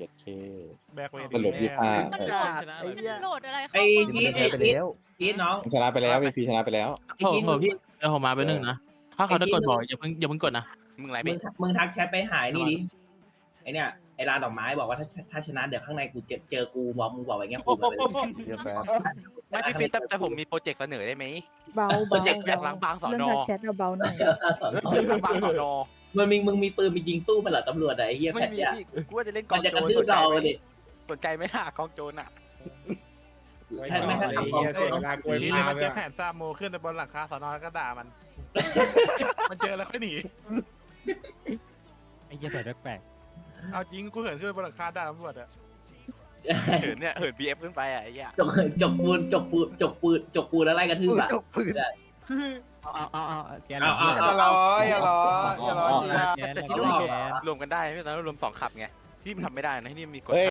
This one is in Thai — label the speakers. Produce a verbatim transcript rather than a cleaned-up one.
Speaker 1: ยัดเค
Speaker 2: แบกเวท
Speaker 1: สรุปยี่ห้า
Speaker 3: มันโหลดมันโหลดอะไรเข้า
Speaker 4: ไอ้
Speaker 3: มา
Speaker 4: ชีส
Speaker 5: ไป
Speaker 4: ไอ้ชีส
Speaker 5: แล้ว
Speaker 4: ชีสน้อง
Speaker 1: ชนะไปแล้วพีพีชนะไปแล้ว
Speaker 4: ไอ้
Speaker 6: โอ้
Speaker 4: ชีส
Speaker 6: โหพี่เดี๋ยวผมมาไปหนึ่งนะถ้าเขาจะกดบอกอย่าเพิ่งอย่าเพิ่งกดนะ
Speaker 7: มึงอะไร
Speaker 4: มึ
Speaker 7: พี่
Speaker 4: งมึงทักแชทไปหายนี่ดิไอเนี่ยไอร้านดอกไม้บอกว่าถ้าถ้าชนะเดี๋ยวข้างในกูเจอเจอกูบอกมึงบอกไว้เงี้ยกูไปเลย
Speaker 5: เยอะแปด
Speaker 7: ไม่พี่ฟินแต่แต่ผมมีโปรเจกต์เสนอได้ไหม
Speaker 8: เบา
Speaker 7: โปรเจกต์อยากล้างบางสอน
Speaker 8: เรื่อง
Speaker 7: อ
Speaker 8: ทักแชทเอาเบาหน่อย
Speaker 4: สอน
Speaker 7: ล้างบางสอนอ
Speaker 4: มันมีมึงมีปืนมียิงสู้มันเหรอตำรวจอะไอ้เหี้ย
Speaker 7: ไม่
Speaker 4: แพท
Speaker 7: มี
Speaker 4: เนี่ย
Speaker 7: พี่กูว่าจะเล่นก
Speaker 4: มั
Speaker 7: อน ง
Speaker 4: จะ
Speaker 7: โจ
Speaker 4: กระ
Speaker 7: ร
Speaker 4: ทื
Speaker 7: ส
Speaker 4: บ
Speaker 7: นใจ
Speaker 4: เรา
Speaker 7: ไหม
Speaker 4: เลย
Speaker 7: สนใจไหมล่ะกองโจรอ่ะ
Speaker 4: ถ้าไม่ถ้าทำกองโจร
Speaker 2: ชี้เลยมันเจอแผนซาโมขึ้นไปบนหลังคาสอนอแล้วก็ด่ามัน มันเจอแล้วค่อยหนี
Speaker 5: ไอ้เหี้ยแปดแปลก
Speaker 2: เอาจริงกูเหินขึ้นไปบนหลังคาด่าตำรวจอะ
Speaker 7: เหินเนี่ยเหินบีเอฟขึ้นไปอ่ะไอ้เหี้ย
Speaker 4: จกจกปูนจกปูนจกปูนจกปูนแล้วไล่กระทืบอะ
Speaker 5: จกปืนเอาเอาเอาเอาแกน
Speaker 4: เอาเอา
Speaker 9: อย่าร้อยอย่าร้อยอย่าร้อย
Speaker 5: แกน
Speaker 7: แต่ที่
Speaker 5: ร
Speaker 7: ร
Speaker 5: ว
Speaker 7: ว
Speaker 5: ม
Speaker 7: ม
Speaker 5: แกน
Speaker 7: รวมกันได้ไม่ตอนนั้นรวมสองขับไงที่มันทำไม่ได้นะที่นี่มีกฎ
Speaker 1: เฮ้ย